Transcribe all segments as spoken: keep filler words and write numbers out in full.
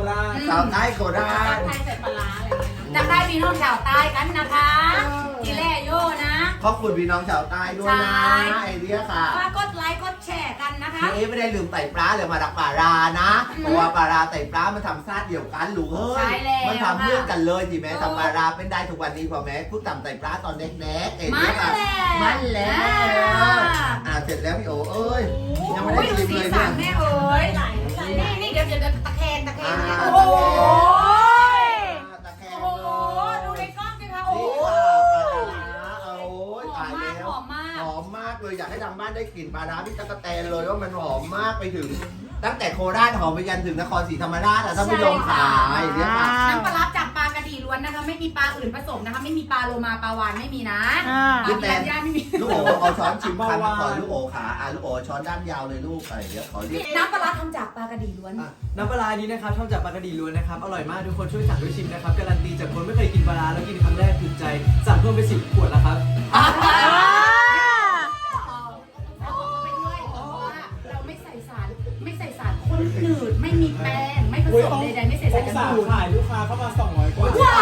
ราชสาวใต้โคราชไทยใส่ปลาร้าอะไรจะได้พี่น้องชาวใต้กันนะคะทีแรกโยนะขอบคุณพี่น้องชาวใต้ด้วยนะไอเดียค่ะฝากกดไลค์กดแชร์กันนะคะพี่เอ๊ไม่ได้ลืมไต่ปลาเลยมาดักปลารานะเพราะว่าปลาราไต่ปลามันทำซาดเดียวกันลูกเฮ้ยมันทำเพื่อนกันเลยจีแม่ทำปลาราเป็นได้ทุกวันนี้พอแม่พูดทำไต่ปลาตอนเด็กๆไอเดียค่ะมันแล้วอ่าเสร็จแล้วพี่โอเอ้ยยังไม่ได้ชิมเลยสีสัเนี่ยนแม่เอ๋ยนี่นี่เดี๋ยวจะตะแคงตะแคงโอ้โอ้โหโหตะแคงโอ้โหดูในกล้องสิคะโอ้นี่โหค่ะปลาร้าโอ้ยหอตาม ยมากแล้วหอมมากหอมมากเลยอยากให้ทางบ้านได้กลิ่นปลาร้าพี่ตะกะแตนเลยว่ามันหอมมากไปถึง ตั้งแต่โคราชหอมไปยันถึงนครศรีธรรมราชอะท่านผู้ชมขาอย่างเงี้ยค่ะน้ำปลาร้าจากปลากระดีล้วนนะคะ ไม่มีปลาอื่นผสมนะคะ ไม่มีปลาโลมาปลาวานไม่มีนะปลาพิรัญญาไม่มีลูกโอเอาช้อนชิมคำมาก่อนลูกโอขาอ่ะลูกโอช้อนด้านยาวเลยลูกอะไรเดี๋ยวขอเรียกน้ำปลาร้าทำจากปลากระดีล้วนน้ำปลาร้านี้นะครับทำจากปลากระดีล้วนนะครับอร่อยมากทุกคนช่วยสั่งด้วยชิมนะครับการันตีจากคนไม่เคยกินปลาร้าแล้วกินครั้งแรกถูกใจสั่งเพิ่มไปสิบขวดแล้วครับเราไม่ใส่สารไม่ใส่สารข้นหนืดไม่มีแป้งไม่ผสมใดๆไม่ใส่สารกันบูดขายลูกค้าเข้ามาสองร้อยกว่าว้าว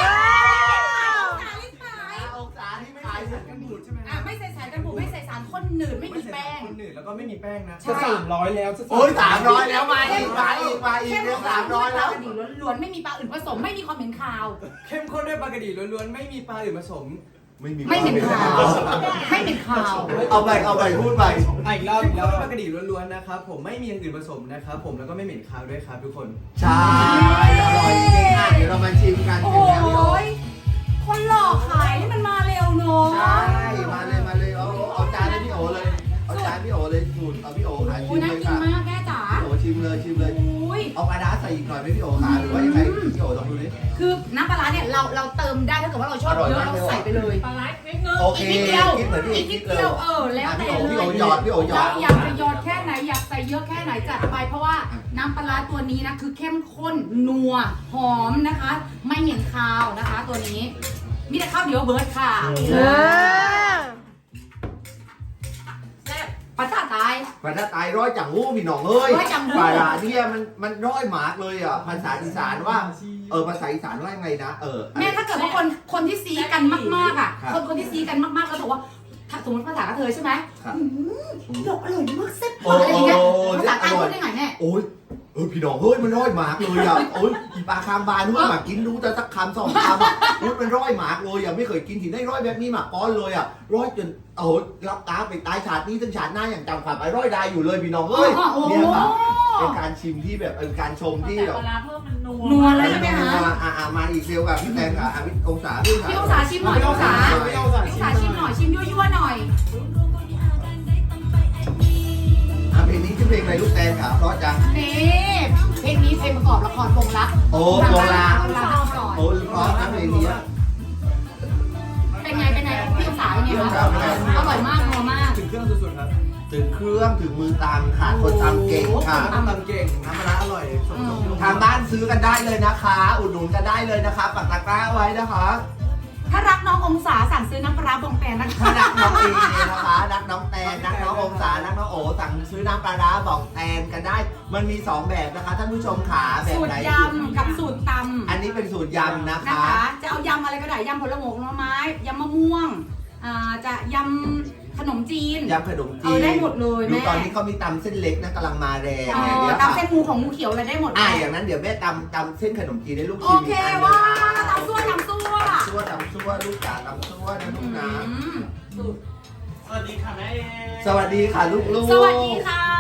องศาที่ไม่ขายสารกันบูดใช่ไหมอ่ะไม่ใส่สารกันบูดไม่ใส่สารข้นหนืดไม่มีแป้งคนหนึ่งแล้วก็ไม่มีแป้งนะใช่จะสามร้อยแล้วจะโอ้ยสามร้อยแล้วมาอีกมาอีกมาอีกเดี๋ยวสามร้อยแล้วปลากระดีล้วนๆไม่มีปลาอื่นผสมไม่มีความเหม็นคาวเข้มข้นด้วยปลากระดีล้วนๆไม่มีปลาอื่นผสมไม่มีไม่เหม็นคาวไม่เหม็นคาวเอาไปเอาไปพูดไปอีกรอบอีกรอบปลากระดีล้วนๆนะครับผมไม่มีอย่างอื่นผสมนะครับผมแล้วก็ไม่เหม็นคาวด้วยครับทุกคนใช่อร่อยจริงๆอ่ะเดี๋ยวเรามาชิมกันโอ้เสร็จแล้วพี่โอยคนหลอกขายนี่มันมาเร็วเนาะใช่มาเลยมาเลยเอาเอาจานให้พี่โอเลยเอาจานพี่โอเลยสูตรเอาพี่โอหาชิโอ้มน่าเลยกินค่ะมากแม่จ๋าพี่โอชิมเลยชิมเลยโอ้ยเอาปลาร้าใส่อีกหน่อยไหมพี่โอขาหรือว่ายังไงพี่โอลองดูดิคือน้ำปลาร้าเนี่ยเราเราเติมได้ถ้าเกิดว่าเราชอบเยอะเราใส่ไปเลยปลาร้าเล็กเงินโอเคอีกนิดเดียวคิดเหมือนพี่อีกนิดเดียวเออแล้วแต่พี่เลโอย พี่โอหยอดพี่โอหยอเราดอยากจะหยอดแค่ไหนอยากใส่เยอะแค่ไหนจัดไปเพราะว่าน้ำปลาร้าตัวนี้นะคือเข้มข้นนัวหอมนะคะ ไม่เหม็นคาวนะคะ ตัวนี้มีแต่ข้าวเดียวเบิร์ดค่ะแซ่บปลาตาตายปลาร้าตายร้อยจังหู้พี่น้องเอ้ยร้อยจังหู้ปลาร้าเนี่ยมันมันร้อยหมากเลยอ่ะภาษาอีสานว่าเออภาษาอีสานว่ายังไงนะเออแม่ถ้าเกิดว่าคนคนที่ซีกันมากๆอ่ะครับคนคนที่ซีกันมากๆแล้วบอกว่าถ้าสมมติภาษากระเทยใช่ไหมครับอืมดอกอร่อยมากแซ่บโอ้มากอะไรอย่างเงี้ยโอ้ภาษาใต้พูดได้ไงแน่โอ้ยเออพี่น้องเฮ้ยมันร้อยหมากเลยอ่ะโอ้ยอีปลาคามบานนู้นหมากกินรู้แต่สักคำสองคำอ่ะนู้นมันร้อยหมากเลยอ่ะไม่เคยกินที่ได้ร้อยแบบนี้หมากก้อนเลยอ่ะร้อยจนโอ้ยรับตาไปตายชาตินี้ถึงชาติหน้าอย่างจำความไปร้อยได้อยู่เลยพี่น้องเอ้ยโอ้โหเนี่ยค่ะเป็นการชิมที่แบบเป็นการชมที่แต่แบบปลาร้าเพิ่มมันนัวนัวเลยใช่ไหมคะอ่าอ่ามาอีกเร็วกับพี่แตงกับอ่ะพี่องศาพี่พี่องศาชิมหน่อยพี่องศาพี่องศาพี่องศาชิมหน่อยชิมยั่วๆหน่อยอ่ะเพลงนี้ชื่อเพลงอะไรลูกแตงค่ะเพราะจังนี่เพลงนี้เพลงประกอบละครวงรักโอ้โบราณวงรักดาวปล่อยโอ้เพราะนะเพลงนี้อ่ะเป็นไงเป็นไงพี่องศาเป็นไงคะอร่อยมากนัวมากถึงเครื่องสุดๆครับถึงเครื่องถึงมือตามค่ะคนตามเก่งค่ะน้ำตาลเก่งน้ำปลาร้าอร่อยสมกับที่ทางบ้านซื้อกันได้เลยนะคะ อุดหนุนกันได้เลยนะคะปักตะกร้าไว้นะคะถ้ารักน้ององศาสั่งซื้อน้ำปลาร้าบองแปนนะคะถ้ารักน้องเอนะคะรักน้องแตนรักน้ององศารักน้องโอสั่งซื้อน้ำปลาร้าบอกแตนกันได้ มันมีสองแบบนะคะท่านผู้ชมขาแบบสูตไหนรยำกับสูตรตำอันนี้เป็นสูตรยำนะนะคะ คะ จะเอายำอะไรก็ได้ยำผลหมกหน่อไม้ยำมะม่วงอ่าจะยำขนมจีนยำขนมจีเอน อได้หมดเลยดูแม่ตอนนี้เขามีตำเส้นเล็กนะกำลังมาแรงเอเนี่ยอเดี๋ยวตำค่ะเส้นหมูของหมูเขียวอะไรได้หมดอ่าแม่อย่างนั้นเดี๋ยวแม่ตำตำเส้นขนมจีนให้ลูกโอชิมเคอีกอันหนึ่งว่านะคะตำซั่วตำซั่วซั่วตำซั่วลูกจ๋าตำซั่วนะลูกนะอืมสวัสดีค่ะแม่สวัสดีค่ะลูกๆสวัสดีค่ะ